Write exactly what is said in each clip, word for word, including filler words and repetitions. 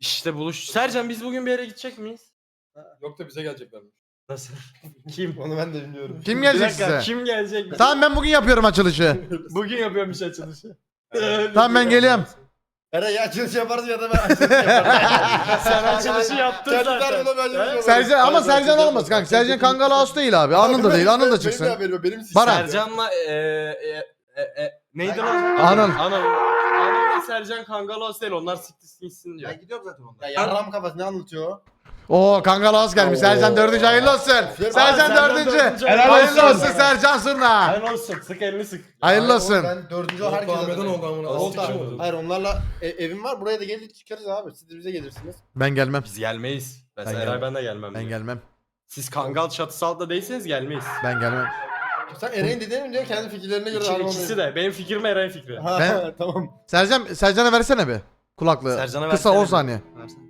İşte buluş. Sercan biz bugün bir yere gidecek miyiz? Yok da bize geleceklermiş. Nasıl? Kim? Onu ben de bilmiyorum. Kim Bir gelecek dakika, size? kim gelecek? Tamam ben bugün yapıyorum açılışı. Bugün yapıyormuş açılışı. Tamam ben geliyorum. Eray ya açılış yaparsın ya da ben açılış yaparım. Sen açılışı yaptın Kendi zaten. tarafına ben açılış yaparım. Sercan ama Hayır, ben Sercan açılış olmaz kanka. yaparım. Sercan Kangal Ağustos değil abi. Anıl da değil. Anıl da çıksın. Benim de haberim yok, benim Baran. Sercan'la e, e, e, e, neydi lan? Anıl. Anıl. Anıl ve Sercan Kangalos değil. Onlar siktir gitsin diyor. Ben gidiyorum zaten ondan. Ya yarram kafası ne anlatıyor o? Oo Kangal Ağustos gelmiş. Sercan dördüncü hayırlı olsun. Sercan Sercan dördüncü. dördüncü. Hayırlı Helal olsun Sercan Surna. Hayırlı olsun. Sık elini sık. Hayırlı olsun. Ben dördüncü o herkese Ahmet'in oldu amına. Oldu abi. Hayır onlarla e, evim var buraya da gelir çıkarız abi. Siz de bize gelirsiniz. Ben gelmem. Biz gelmeyiz. Mesela Ben Eray gelmem. ben de gelmem. Ben diyor. gelmem. Siz Kangal çatısı altında değilseniz gelmeyiz. Ben gelmem. Sen Eray'ın dediğini mi diyor kendi fikirlerine göre İki, harman ikisi de. Benim fikrim Eray'ın fikri. Ha Ben- tamam. Sercan Sercan'a versene bir kulaklığı. Sercan'a Kısa versene on bir. saniye. Versene.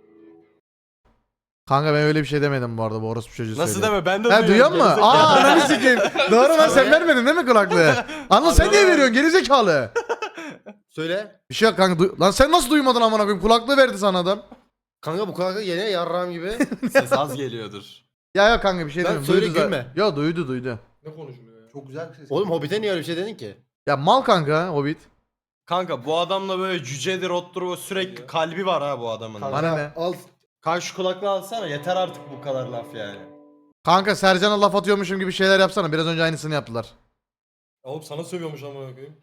Kanka ben öyle bir şey demedim bu arada bu orospu çocuğu Nasıl söylüyor. deme ben de Ha duyuyor musun? gerizekalı. Aa ananı sikeyim. Doğru lan sen vermedin değil mi kulaklığı? Anıl sen niye veriyorsun gerizekalı? Söyle. Bir şey yok kanka. duy- Lan sen nasıl duymadın amına koyayım? Kulaklığı verdi sana adam. Kanka bu kanka yine yarram gibi. Ses az geliyordur. Ya yok kanka bir şey Lan demiyorum. söyle, Duydu zaten. gülme. Yo duydu duydu. Ne konuşuluyor ya? Çok güzel bir ses. Oğlum Hobbit'e niye öyle bir şey dedin ki? Ya mal kanka Hobbit. Kanka bu adamla böyle cücedir ottur o sürekli kalbi var ha bu adamın. Kanka, Bana ne? Al. Kanka şu kulaklığı alsana yeter artık bu kadar laf yani. Kanka Sercan'a laf atıyormuşum gibi şeyler yapsana. Biraz önce aynısını yaptılar. Oğlum sana sövüyormuş ama koyayım.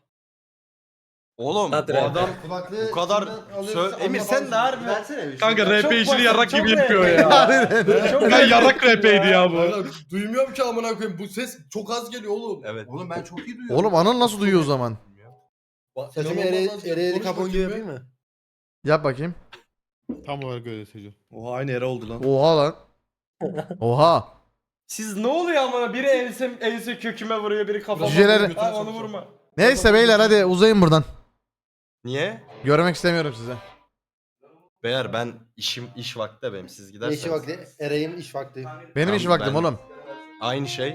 Oğlum Hadi bu be. adam Kulaklığı bu kadar sö- Emir sen de harbi. Versene bir şey. Kanka Çok R P işini basit, yarrak çok gibi yapıyor R P ya. Çok Ya yarrak R P'ydi ya bu. Kanka, duymuyorum ki amına koyayım. Bu ses çok az geliyor oğlum. Evet. Oğlum ben çok iyi duyuyorum. Oğlum Anıl nasıl duyuyor o zaman? Sesimi Ereğli kapon gibi yapayım mı? Yap bakayım. Tam olarak öyle Seco. Oha aynı yere oldu lan. Oha lan. Oha. Siz ne oluyor amına biri ense, ense köküme vuruyor biri kafama Cüceleri- vuruyor. Lan onu vurma. Neyse beyler hadi uzayın buradan. Niye? Görmek istemiyorum size. Beyler ben işim iş vakti benim siz Ne giderseniz. işi vakti? Ereğin iş vakti. Benim Tamam, iş vaktim ben- oğlum. Aynı şey.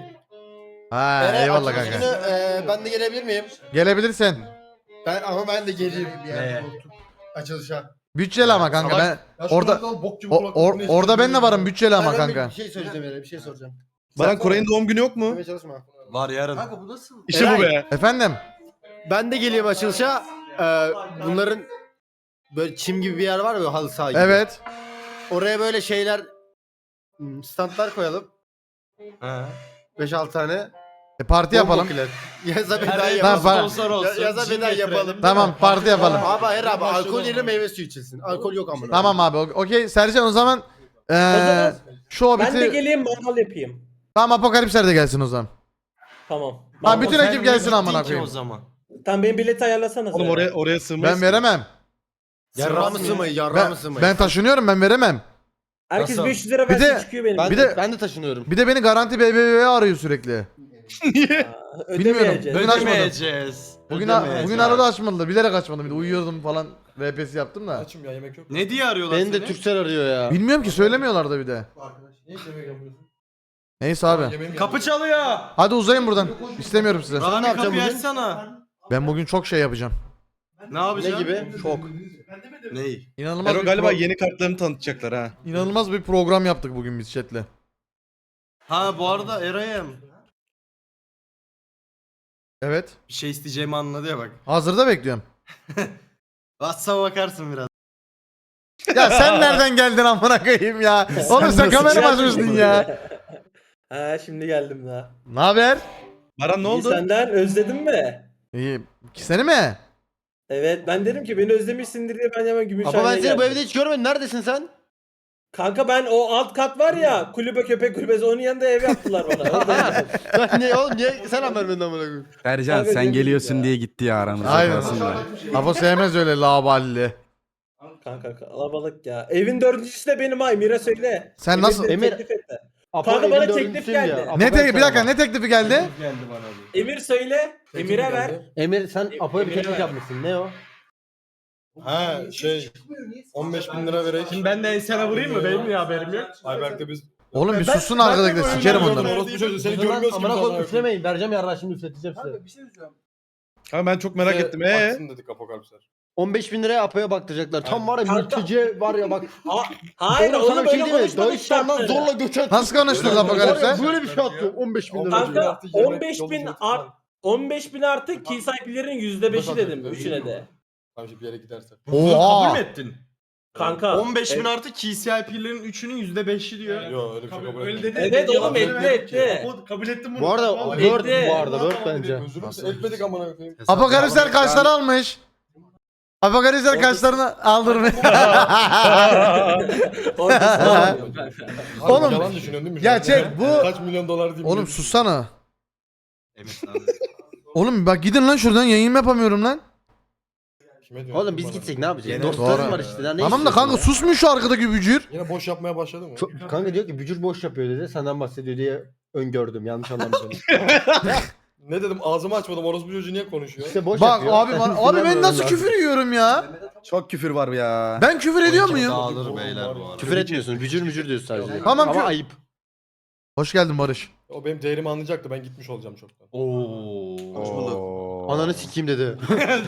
Ha Eray, eyvallah açılış kanka. günü, e, ben de gelebilir miyim? Gelebilirsin. Ben ama ben de geleyim. Neye? Açılışa. Bütçeli ama kanka ben orada o, or- orada ben de varım bütçeli ama Ben kanka. Bir şey söyleyeceğim Eray, bir şey soracağım. Baran Koray'ın doğum günü yok mu? Demeye çalışma. Var yarın. Kanka bu nasıl? İşte bu be. Efendim? Ben de geleyim açılışa. Ee, bunların böyle çim gibi bir yer var ya halı saha gibi. Evet. Oraya böyle şeyler hmm, standlar koyalım. Ha. beş altı tane. E, parti yapalım. Bombokiler. Yaza beden Her yapalım. Tamam, sponsor olsun. Ya- yaza Cin beden getirelim. yapalım. Tamam parti yapalım. Abi hayır abi Başladı alkol yerine ama. meyve suyu içilsin. Alkol yok amına. Tamam abi o- okey Sercan o zaman eee şu Ben de Hobbit'i geleyim mangal yapayım. tamam Apokalipsler de gelsin o zaman. Tamam. Ha Mangal- bütün Sen ekip niye gelsin gittin amına ki koyayım. o zaman. Tamam benim bileti ayarlasana. Oğlum oraya oraya sığmayız. Ben veremem. Yarra mı sığmayı yarra Ben, mı sığmayı? ben taşınıyorum ben veremem. Herkes Nasıl? beş yüz lira Bir versin de- çıkıyor benim. ben bir de, de- ben de taşınıyorum. Bir de beni Garanti B B V'ye arıyor sürekli. Aa, Bilmiyorum. ödemeyeceğiz. Bugün açmadım. Ödemeyeceğiz. Bugün Ödemeyeceğiz. bugün arada açmadı. Bilerek açmadım. Bir de uyuyordum falan. R P'si yaptım da. Açım ya yemek yok. Ne diye arıyorlar Beni de seni? Türksel arıyor ya. Bilmiyorum ki söylemiyorlar da bir de. Ne iş yemek yapıyorsun? Neyse abi. Kapı çalıyor. Hadi uzayın buradan. İstemiyorum size. Rami ne yapacaksın kapıyı bugün? açsana. Ben bugün çok şey yapacağım. Ne yapacaksın? Ne gibi? Çok. Ney? İnanılmaz Ero bir galiba pro- yeni kartlarını tanıtacaklar ha. İnanılmaz bir program yaptık bugün biz chatle. Ha bu arada Eray'ım. Evet. Bir şey isteyeceğimi anladı ya bak. Hazırda bekliyorum. WhatsApp'a bakarsın biraz. Ya sen nereden geldin amına koyayım ya? Oğlum sen kamera mı açmışsın ya? Ha şimdi geldim daha. Ne haber? Baran ne İyi, oldu? senden özledin mi? İyi. Seni mi? Evet ben dedim ki beni özlemişsindir diye ben hemen Gümüşhane'ye Ama ben seni bu geldim. evde hiç görmedim. Neredesin sen? Kanka ben o alt kat var ya kulübe köpek kulübesi onun yanında ev yaptılar bana. Oradaydım. Ben niye oğlum niye sen haber benden amına koyayım? Sercan Kanka sen dedik geliyorsun ya. diye gitti ya aramızda Aynen. kalsın da. Apo sevmez öyle laballi. Kanka kalabalık ya. Evin dördüncüsü de benim ay Mira söyle. Sen Evin nasıl- de Emir- teklif etti. Apo Kanka evin bana dördüncüsüyüm teklif ya. geldi. Apo Ne ben te bir dakika sana- ne teklifi geldi? Geldi bana bir. Emir söyle. Emir'e ver. Emir sen Apo'ya bir Emir'e teklif ver. yapmışsın. Ne o? Ha şey on beş bin lira vereyim. Şimdi ben de ensene vurayım mı? Benim niye haberim yok? Ayberk'te biz Oğlum bir Ben- susun ben de arkadaşlar böyle sikerim oynuyordum onları. orospu çocuğu seni Amına görmüyoruz ki. amına biz koyup amına üflemeyin. Vereceğim yarrağı şimdi üfleteceğim size. Ha ben çok merak koyayım. ettim. Ee? Baksın dedik apokalipsler. on beş bin liraya Apo'ya baktıracaklar. Tam var ya Kanka. mülteci var ya bak. Aa, hayır Oğlum onu sana bir şey böyle diyeyim mi? konuşmadık Dağıstan'dan şartları. zorla göç et. Nasıl konuştunuz Var ya, Apokalipse? böyle bir şey attı. on beş bin lira. Kanka Yemek, on beş bin yolculuk art falan. on beş bin artı key sahiplerinin yüzde beşi dedim üçüne de. Tamam şimdi bir yere gidersen. Bunu Oha. kabul mü ettin? Kanka. on beş bin Evet. artı K C I P'lerin üçünün yüzde beşi diyor. Yok öyle bir şey kabul etmedim. Evet oğlum etti etti. Kabul ettim bunu. Bu arada Vallahi. Word Etti. bu arada Word bence. Özür dilerim etmedik amına koyayım. Apokalipsler kaçları almış? Apokalipsler kaçlarını aldırmış. Orada Oğlum, Yalan düşünüyorsun değil mi? ya şu an? çek, bu- Kaç milyon dolar diyeyim. Oğlum sussana. Oğlum bak gidin lan şuradan yayın yapamıyorum lan. Kime diyorsun Oğlum biz bana? gitsek ne yapacağız? Yine- Dostlarım Doğru. var işte. Daha ne Tamam da istiyorsun kanka ya? susmuyor şu arkadaki bücür. Yine boş yapmaya başladı mı? Çok- kanka diyor ki bücür boş yapıyor dedi. Senden bahsediyor diye öngördüm. Yanlış anlamadım. Ne dedim ağzımı açmadım orospu çocuğu niye konuşuyor? İşte boş Bak yapıyor. abi bana- abi ben nasıl küfür yiyorum ya? Çok küfür var ya. Ben küfür ediyor muyum? Dağılır beyler bu arada. Küfür etmiyorsun. Bücür mücür diyorsun sadece. Tamam, Ama kü- ayıp. Hoş geldin Barış. O benim değerimi anlayacaktı ben gitmiş olacağım çoktan. Oo. Ananı sikeyim dedi.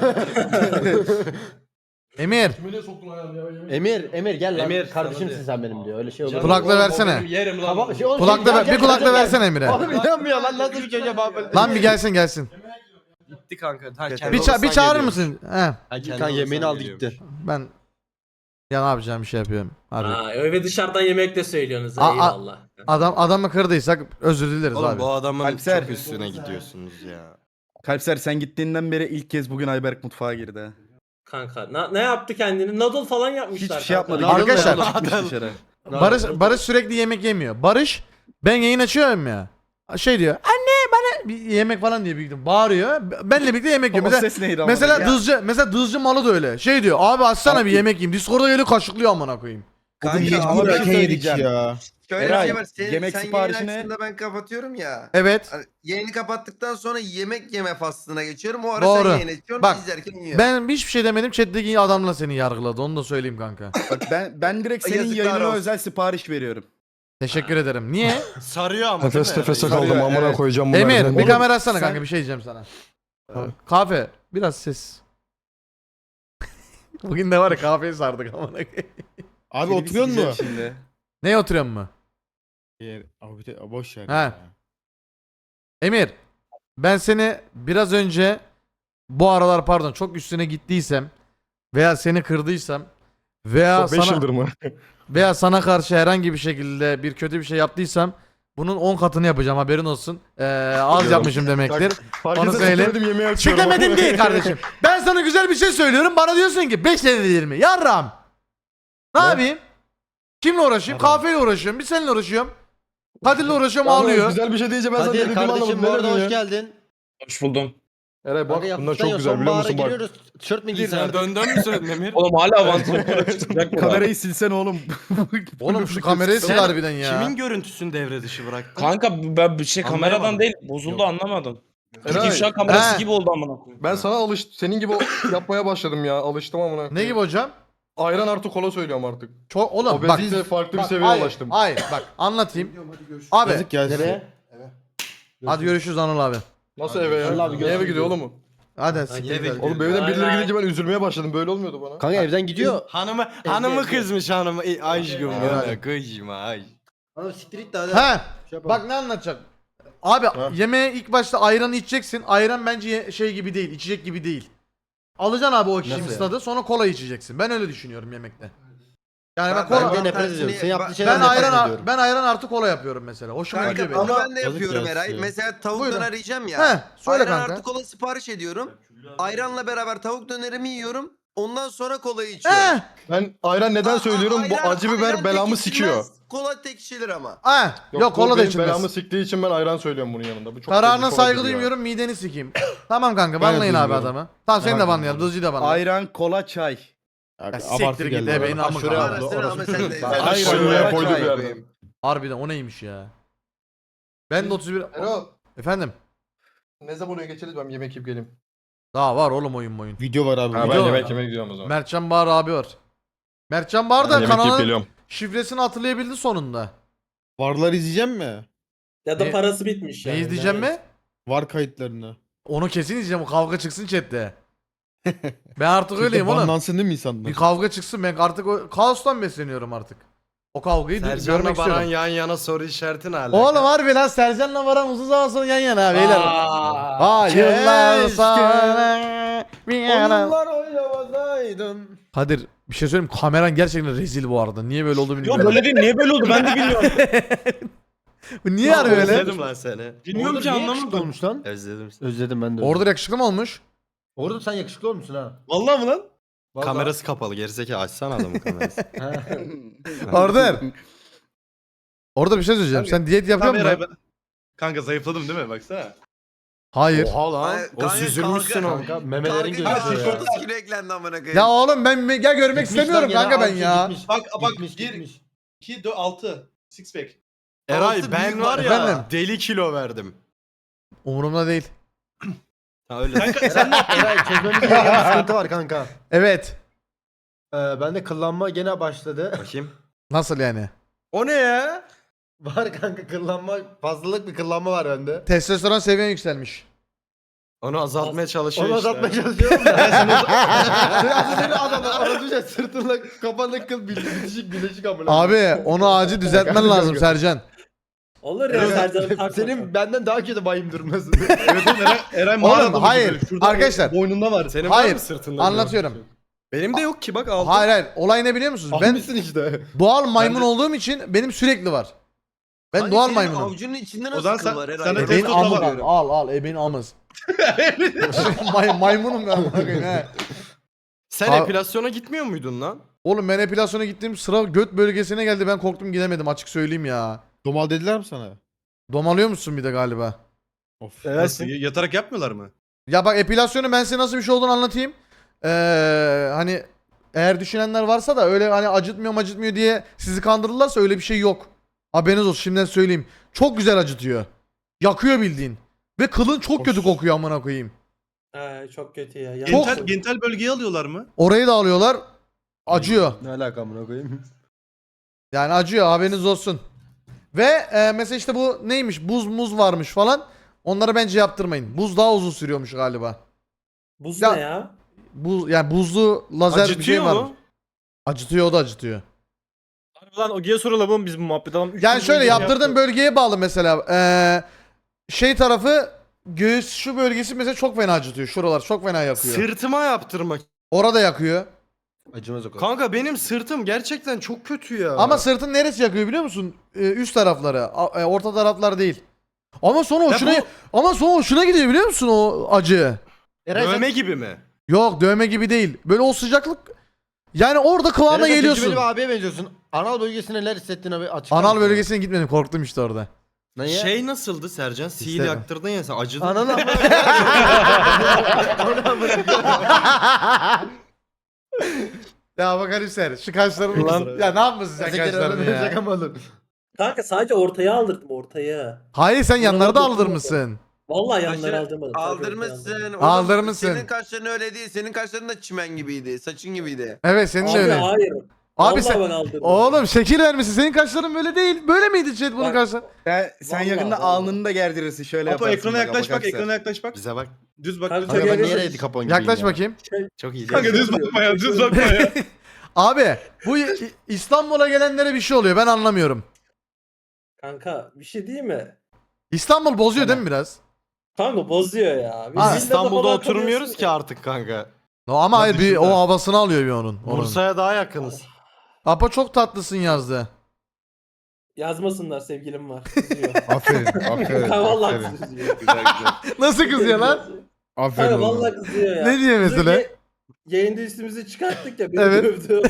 Emir Kime niye soktun ayağını ya? Yemin- Emir, Emir gel lan. Emir, sana Kardeşimsin diyor. sen benim diyor. Öyle şey olur. Canım, kulakla oğlum, o versene. benim Yerim lan. Tamam, şey, oğlum, Kulakla şey, ver, gel, bir gel, kulakla gel, gel. versene Emir'e. Oğlum inanmıyor lan nasıl bir çocuğa bağlı. Lan bir gelsin gelsin. Gitti kanka. Ha, Bir, kendi ça- bir odasından çağırır geliyormuş. mısın? He. Ha, kendi Kanka yemeğini odasından aldı geliyormuş. gitti. Ben ya ne yapacağım bir şey yapıyorum. Harbi. Aa, ve dışarıdan yemek de söylüyorsunuz. Aa, aa. Eyvallah. Adam adamı kırdıysak özür dileriz Oğlum abi. bu adamın Alpser. çok üstüne gidiyorsunuz ya. Kalpser sen gittiğinden beri ilk kez bugün Ayberk mutfağa girdi. ha. Kanka na- ne yaptı kendini? Noodle falan yapmışlar. Hiçbir kanka. şey yapmadı. Arkadaşlar- Yolda çıkmış dışarı. Barış Barış sürekli yemek yemiyor. Barış ben yayın açıyorum ya. Şey diyor. Anne bana bir yemek falan diye büyüdüm. Bağırıyor. Benle birlikte yemek yiyor. O Mesela, ses neydi ama? mesela Ya. dızcı mesela dızcı malı da öyle. Şey diyor. Abi açsana bir Abi- yemek yiyeyim. Discord'a geliyor kaşıklıyor amına koyayım. Bugün Kanka, hiç ama bir ben şey söyleyeceğim. ya. Şöyle bir Eray, şey var. Sen, yemek sen siparişine- yayın açtığında ben kapatıyorum ya. Evet. Hani yayını kapattıktan sonra yemek yeme faslına geçiyorum. O ara Doğru. sen yayın açıyorsun. Bak, izlerken yiyor. Ben hiçbir şey demedim. Chat'teki adamla seni yargıladı. Onu da söyleyeyim kanka. Bak ben ben direkt senin Yazıklar yayınına olsun. özel sipariş veriyorum. Teşekkür ederim. Niye? Sarıyor ama değil Nefes mi? nefese Sarıyor, kaldım amına evet. koyacağım bunu. Emir harbiden. bir Oğlum, kamera açsana sen- kanka bir şey diyeceğim sana. Kahve biraz ses. Bugün de var ya kahveyi sardık amına koyayım. Abi Seni bir oturuyor sikeceğim mu? Şimdi. Neye oturuyorsun mu? Abi de- boş ver. He. ya. Emir, ben seni biraz önce bu aralar pardon çok üstüne gittiysem veya seni kırdıysam veya beş sana yıldır mı? veya sana karşı herhangi bir şekilde bir kötü bir şey yaptıysam bunun on katını yapacağım haberin olsun. Ee, az yapmışım demektir. Fark Onu edersen söyle. söyledim, yemeği açıyorum. Çekemedim değil kardeşim. Ben sana güzel bir şey söylüyorum bana diyorsun ki beş senedir yirmi. Yarram. Ne, Ne? yapayım? Kimle uğraşayım? Kahveyle uğraşıyorum. Bir seninle uğraşıyorum. Kadir'le uğraşıyorum ağlıyor. Güzel bir şey deyince ben sana Kadir dediğimi kardeşim anlamadım. bu arada Nereden hoş ya? geldin. Hoş buldum. Eray bak Kanka bunlar yaptıktan çok ya, güzel biliyor sonbahara musun bak. giriyoruz. Tişört mü giysen Sen artık? döndün mü söyledin Emir? Oğlum hala vantilatör çıkacak mı? Kamerayı silsen oğlum. Oğlum şu kamerayı sil Sen harbiden ya. Kimin görüntüsünü devre dışı bıraktın? Kanka ben bir şey Anlayamadım. kameradan değil bozuldu anlamadım. Türk Eray, ifşa kamerası he. gibi oldu amına koyayım. Ben sana alış senin gibi yapmaya başladım ya. Alıştım amına. Ne gibi hocam? Ayran artı kola söylüyorum artık. Çok oğlum bak. Obezite farklı bir Bak, seviyeye hayır, ulaştım. Hayır bak anlatayım. Abi Yazık ya. Nereye? hadi görüşürüz Anıl abi. Nasıl eve ya? Allah abi, Ne eve görüşürüz. gidiyor oğlum mu? Hadi eve siktir gidiyor. git. Oğlum evden Bay birileri bay. gidince ben üzülmeye başladım. Böyle olmuyordu bana. Kanka evden gidiyor. Hanımı hanımı kızmış hanımı. E, aşkım Evet. ya kıyma ay. Oğlum siktir git de hadi. He. Şey yapalım. Bak ne anlatacak? Abi yemeğe ilk başta ayranı içeceksin. Ayran bence ye- şey gibi değil, içecek gibi değil. Alacaksın abi o kişinin Nasıl stadı sonra kola içeceksin. Ben öyle düşünüyorum yemekte. Yani ben, Ben- kola Ben de Tam nefret tersini- ediyorum. Sen yaptığın ben- şeyden ben nefret ayran ediyorum. ben ayran artı kola yapıyorum mesela. Hoşuma Kanka gidiyor benim. ama ben de Yazık yapıyorum ya Eray. size. Mesela tavuk Buyurun. döner yiyeceğim ya. He, söyle Ayran kanka. artı kola sipariş ediyorum. Ayranla beraber tavuk dönerimi yiyorum. Ondan sonra kolayı içiyorum. He. Ben ayran neden Aa, söylüyorum? Bu ayran- acı biber ayran belamı tek sikiyor. içilmez, Kola tek içilir ama. He. Yok, bu kola da benim içilmez. belamı siktiği için ben ayran söylüyorum bunun yanında. Bu çok Kararına çok saygı acı ya. duymuyorum mideni sikeyim. Tamam kanka Ben banlayın abi duymuyorum. adamı. Tamam seni de Ben banlayalım. Dızcıyı da banlayalım. Ayran, kola, çay. Ya siktir git ebeğin amı Şuraya kanka. abla, Arasına orası- ama sen de. Ayran Ayran şuraya kola koydu çay bir yerden. koyayım. Harbiden o neymiş ya? Ben de otuz bir... Erol Efendim? ne zaman oraya geçeriz ben yemek yiyip geleyim. Daha var oğlum oyun oyun. Video var abi. Ha, ben Video- yemek yemek gidiyorum o zaman. Mertcan Bahar abi var. Mertcan Bahar Ben da yemek yiyip kanalın geliyorum. şifresini hatırlayabildi sonunda. Varlar izleyeceğim mi? Ya da Ne- parası bitmiş Ne yani. izleyeceğim mi? Var kayıtlarını. Onu kesin izleyeceğim. O kavga çıksın chatte. Ben artık öyleyim oğlum. Banlansın değil mi insanlar? Bir kavga çıksın ben artık o kaostan besleniyorum artık. O kavgayı görmek Sercan'la Baran istiyorum. yan yana soru işareti ne alaka? Oğlum harbi lan Sercan'la Baran uzun zaman sonra yan yana beyler. Aa, Aa yıllar keşke sonra bir yana. Onlar oynamasaydın. Kadir bir şey söyleyeyim mi? Kameran gerçekten rezil bu arada. Niye böyle oldu Yok bilmiyorum. böyle değil. Niye böyle oldu ben de bilmiyorum. Bu niye harbi öyle? Özledim lan seni. Bilmiyorum Orada ki niye yakışıklı anlamadım. olmuş lan? Özledim seni. Özledim ben de. Orada yakışıklı mı olmuş? Orada sen yakışıklı olmuşsun ha. Vallahi mı lan? Vallahi. Kamerası kapalı gerizekalı açsana adamın kamerası. Ha. Orada. Orada bir şey söyleyeceğim. Sen diyet yapıyor musun? Kanka zayıfladım değil mi? Baksana. Hayır. Oha lan. Ay, O kanka, süzülmüşsün kanka. oğlum. Kanka memelerin gözüküyor ya. otuz kilo eklendi amına koyayım. Ya oğlum ben me- ya görmek Gitmiş lan istemiyorum gene, kanka ben altı ya. gitmiş. Bak bak Gitmiş, bir, gitmiş. iki, dört, altı. Six pack. Eray Altı ben büyük var var. ya Efendim? deli kilo verdim. Umurumda değil. Ha öyle. Kanka sen ne yaptın? Eray çözmemiz gereken bir sıkıntı var kanka. Evet. Ee, bende kıllanma gene başladı. Bakayım. Nasıl yani? O ne ya? Var kanka kıllanma, fazlalık bir kıllanma var bende. Testosteron seviyen yükselmiş. Onu azaltmaya çalışıyor Onu işte. azaltmaya çalışıyorum da. Sen seni adamlar arasınca sırtınla kafanda kıl bil- bitişik bileşik amına. Abi onu acil düzeltmen lazım Sercan. Olur ya Evet, Sercan'ın takma. senin benden daha kötü bayım durması. Evet oğlum Eren, Eren Oğlum, mağarada hayır. böyle. Şurada Arkadaşlar. boynunda var. Senin Hayır, var mı sırtında? Anlatıyorum. Benim de yok ki bak aldım. Hayır hayır. Olay ne biliyor musunuz? Ben Almışsın işte. doğal maymun Ben de- olduğum için benim sürekli var. Ben Hani doğal senin maymunum. Avucunun içinde O nasıl zaman kıl sen- var sen de herhalde? Ebeğin testosteron amı var. var. Al al ebeğin amız. May, maymunum ben amına koyayım he. Sen Ha- epilasyona gitmiyor muydun lan? Oğlum ben epilasyona gittiğim sıra göt bölgesine geldi ben korktum gidemedim açık söyleyeyim ya. Domal dediler mi sana? Domalıyor musun bir de galiba? Of. Nasıl? Yatarak yapmıyorlar mı? Ya bak epilasyonu ben size nasıl bir şey olduğunu anlatayım. Ee, hani eğer düşünenler varsa da öyle hani acıtmıyor acıtmıyor diye sizi kandırırlarsa öyle bir şey yok. Haberiniz olsun şimdiden söyleyeyim. Çok güzel acıtıyor. Yakıyor bildiğin. Ve kılın çok kötü kokuyor amına koyayım. Ay, çok kötü ya. Çok- Gentel, gentel bölgeyi alıyorlar mı? Orayı da alıyorlar. Acıyor. Ne alaka amına koyayım? Yani acıyor haberiniz olsun. Ve e, mesela işte bu neymiş buz muz varmış falan. Onları bence yaptırmayın. Buz daha uzun sürüyormuş galiba. Buz Ya- ne ya? Buz yani buzlu lazer bir şey Acıtıyor var. mu? Acıtıyor o da acıtıyor. Lan Ogi'ye soralım biz bu muhabbet alalım. Üç Yani gün şöyle boyunca yaptırdığın yaptık. bölgeye bağlı mesela. Ee, şey tarafı göğüs şu bölgesi mesela çok fena acıtıyor. Şuralar çok fena yakıyor. Sırtıma yaptırmak. Orada yakıyor. Acımaz o kadar. Kanka benim sırtım gerçekten çok kötü ya. Ama sırtın neresi yakıyor biliyor musun? Ee, üst tarafları. A- e, orta taraflar değil. Ama sonra hoşuna bu- ama sonra hoşuna gidiyor biliyor musun o acı? Eray sen, dövme gibi mi? Yok dövme gibi değil. Böyle o sıcaklık yani orada kıvama Eray sen geliyorsun. tecrübeli bir abiye benziyorsun. Anal bölgesine neler hissettiğini abi açık. Anal bölgesine gitmedim korktum işte orada. Ne ya? Şey nasıldı Sercan? Sil İşte- yaktırdın ya sen acıdın. Anal amına Ya bak Haliser şu kaşlarını Ulan- ya ne yapmışsın sen kaşlarını ya? Yakamadım. Kanka sadece ortaya aldırdım ortaya. Hayır sen yanlarda dokunmadım. aldırmışsın. Vallahi yanları Kaşları aldırmadım. sadece ortaya aldırdım. Aldırmışsın. Oğlum, Aldırmışsın. Senin kaşların öyle değil. Senin kaşların da çimen gibiydi. Saçın gibiydi. Evet senin de Abi öyle. hayır. Abi Vallahi sen ben aldırdım. oğlum şekil vermişsin. Senin kaşların böyle değil. Böyle miydi chat bunun Bak- kaşları? Sen, sen Vallahi, yakında vallahi. alnını da gerdirirsin şöyle Apo yaparsın. ekrana yaklaş bak, bakarsan. ekrana yaklaş bak. Bize bak. Düz bak. Tabii, düz tabii. bak. Kanka ben Evet. niye Eddie Capone gibiyim Yaklaş ya? bakayım. Çok iyi. Kanka düz bakma ya, düz bakma ya. Abi bu İ- İstanbul'a gelenlere bir şey oluyor. Ben anlamıyorum. Kanka bir şey değil mi? İstanbul bozuyor değil mi biraz? Kanka bozuyor ya. Biz Ha, villada İstanbul'da falan oturmuyoruz kalıyorsun ki ya. artık kanka. No, ama hayır bir düşünsene. o havasını alıyor bir onun. onun. Bursa'ya daha yakınız. Apa çok tatlısın yazdı. Yazmasınlar sevgilim var. Kızıyor. Aferin, aferin. Kanka vallahi aferin. kızıyor. Güzel güzel. Nasıl kızıyor lan? Aferin Kanka oğlum. vallahi kızıyor ya. Ne diyor mesela? Biz de Yayında üstümüzü çıkarttık ya beni Evet. dövdü.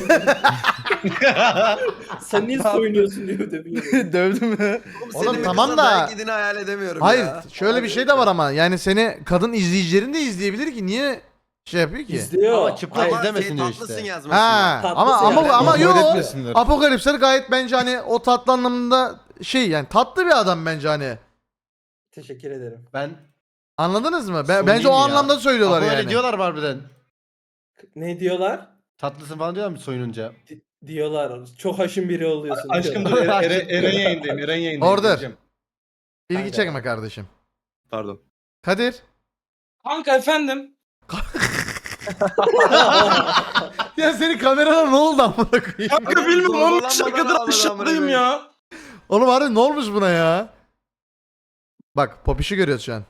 Sen niye soyunuyorsun diye dövüyor. Dövdü mü? Oğlum, Oğlum senin tamam bir da- kızla dayak yediğini hayal edemiyorum Hayır ya. şöyle bir şey de var ama yani seni kadın izleyicilerin de izleyebilir ki niye şey yapıyor ki? İzliyor. Ama çıplak Hayır, izlemesin şey, diyor tatlısın işte. yazmasın. Ha Tatlısı ama ama yani. ama Kabul yok. etmesinler. Apokalipsler gayet bence hani o tatlı anlamında şey yani tatlı bir adam bence hani. Teşekkür ederim. Ben Anladınız mı? Ben, Soyayım bence o ya. anlamda söylüyorlar Apo yani. öyle diyorlar mı harbiden? Ne diyorlar? Tatlısın falan diyorlar mı soyununca? Di- diyorlar. Çok haşin biri oluyorsun. Aşkım dur, diyorlar. Eren, Eren, Eren yayındayım, Eren yayındayım. Order. Geleceğim. İlgi Kanka. çekme kardeşim. Pardon. Kadir. Kanka efendim. Ya senin kamerana ne oldu amına koyayım? Kanka bilmiyorum on beş Zorbalanmadan dakikadır aldı aşağıdayım amına ya. Oğlum harbi ne olmuş buna ya? Bak Popiş'i görüyoruz şu an.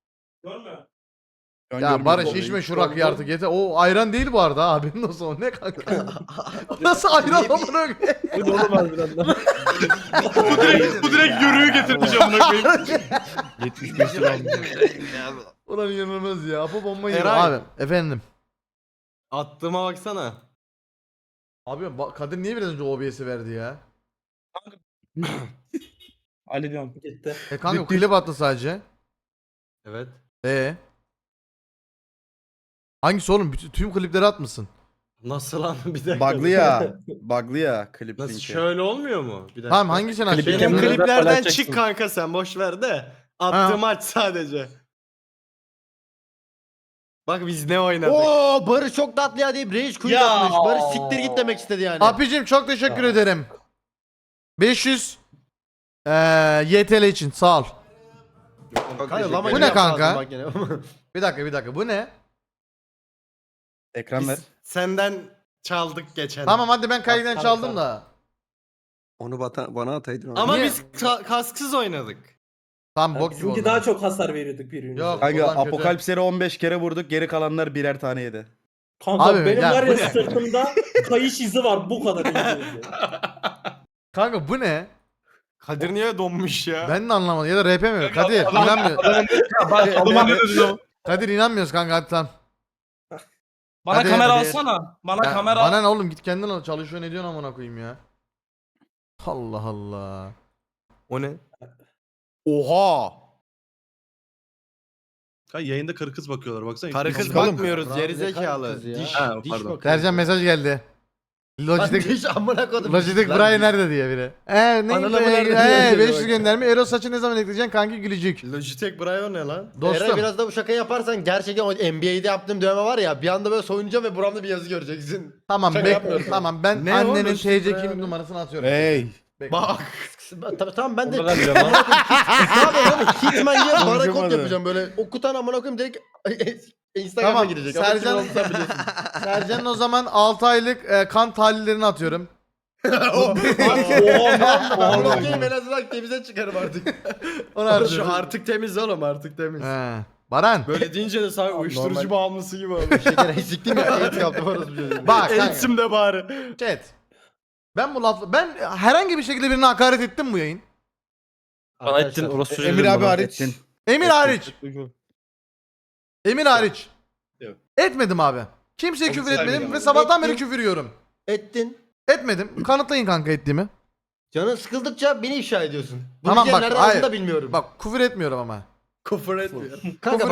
Ya Barış içme şu rakıyı artık yeter. O ayran değil bu arada abinin olsun o ne kanka? O nasıl ayran amına koyayım? Bu da olamaz biraz daha. Bu direkt, bu direkt yürüyü getirmiş amına koyayım. yetmiş beş lira aldım. Ulan inanılmaz ya. Apo bomba yiyor. Eray. Abi efendim. Attığıma baksana. Abi ba- Kadir niye biraz önce O B S'i verdi ya? Hallediyorum. Gitti. E kanka klip attı sadece. Evet. E Hangisi oğlum? Bütün, tüm klipleri atmışsın. Nasıl lan bir dakika. Bug'lı ya. Bug'lı ya klip Nasıl linki. şöyle olmuyor mu? Bir dakika. Tamam hangisini Klibi açıyorsun? Benim Kendine kliplerden paylaşacaksın. çık kanka sen boş ver de. Attığım aç sadece. Bak biz ne oynadık. Oo Barış çok tatlı ya deyip rage quit Ya. atmış. Barış siktir git demek istedi yani. Abicim çok teşekkür ederim. beş yüz eee Y T L için sağ ol. Kanka, lama Bu gibi ne yaptı kanka? ağzını bak yine. Bir dakika bir dakika bu ne? Ekran ver. Biz senden çaldık geçen. Tamam hadi ben kayden Tamam, çaldım tamam. da. Onu bata, bana ataydın. onu. Ama Niye? biz ka- kasksız oynadık. Tam bok gibi Bizimki oldu. daha çok hasar veriyorduk birbirimize. Yok. Kanka Ulan kötü. Apokalipsleri on beş kere vurduk. Geri kalanlar birer tane yedi. Kanka Abi, benim ya var bu ya ne? sırtımda kayış izi var bu kadar İngilizce. Kanka bu ne? Kadir niye donmuş ya? Ben de anlamadım ya da R P mi? Kadir inanmıyor. Adıma ne dedin o? Kadir inanmıyoruz kanka hadi tamam. Bana Hadi, kamera hadi. alsana. Bana Ya, kamera bana ne oğlum git kendin al çalışıyor ne diyorsun amına koyayım ya. Allah Allah. O ne? Oha. Kanka yayında karı kız bakıyorlar baksana. Karı kız Bakalım. bakmıyoruz Bravo, geri ne kadar zekalı. kız ya. Diş. Ha, Diş pardon. bakıyor. Sercan mesaj geldi. Lan Logitech diş amına kodum. Logitech Lan Brian diş. nerede diye biri. Eee ne? Ananı mı nerede Eee diyor, beş yüz bak. gönderme. Ero saçı ne zaman ekleyeceksin kanki gülücük. Logitech Braille ne lan? Eray Dostum. biraz da bu şaka yaparsan gerçekten o N B A'de yaptığım dövme var ya bir anda böyle soyunacağım ve buramda bir yazı göreceksin. Tamam Şaka bek yapmıyorum. tamam ben Ne o? annenin Logitech T C Brian kimlik ne? numarasını atıyorum. Hey. Bekle. Bak. Tabii tamam ben de Ondan biliyorum lan. ne yapayım oğlum Hitman gibi barakod Konuşamadı. yapacağım böyle okutan amına koyayım direkt Instagram'a Tamam, girecek. Sercan- Ama kim olduğunu sen biliyorsun. Sercan'ın o zaman altı aylık e, kan tahlillerini atıyorum. Ben bakayım en azından temize çıkarım artık. Onu Şu atıyorum. artık temiz oğlum artık temiz. He. Baran. Böyle deyince de sanki uyuşturucu Normal. bağımlısı gibi oldu. Şeker siktim ya AIDS yaptım orası bir şey. Bak kanka. Eğitim de bari. Chat. Ben bu lafla ben herhangi bir şekilde birine hakaret ettim bu yayın. Bana ettin orası Emir abi hariç. Ettin. Emir hariç. çocuğu. Emir hariç. Yok. Etmedim abi. Kimseye Onu küfür etmedim saymıyorum ve abi. sabahtan beri Ettin. küfür yiyorum. Ettin. Etmedim. Kanıtlayın kanka ettiğimi. Canın sıkıldıkça beni ifşa ediyorsun. Bu Tamam, tamam, bak, nereden hayır. aldığını da bilmiyorum. Bak küfür etmiyorum ama. Küfür etmiyor. Kanka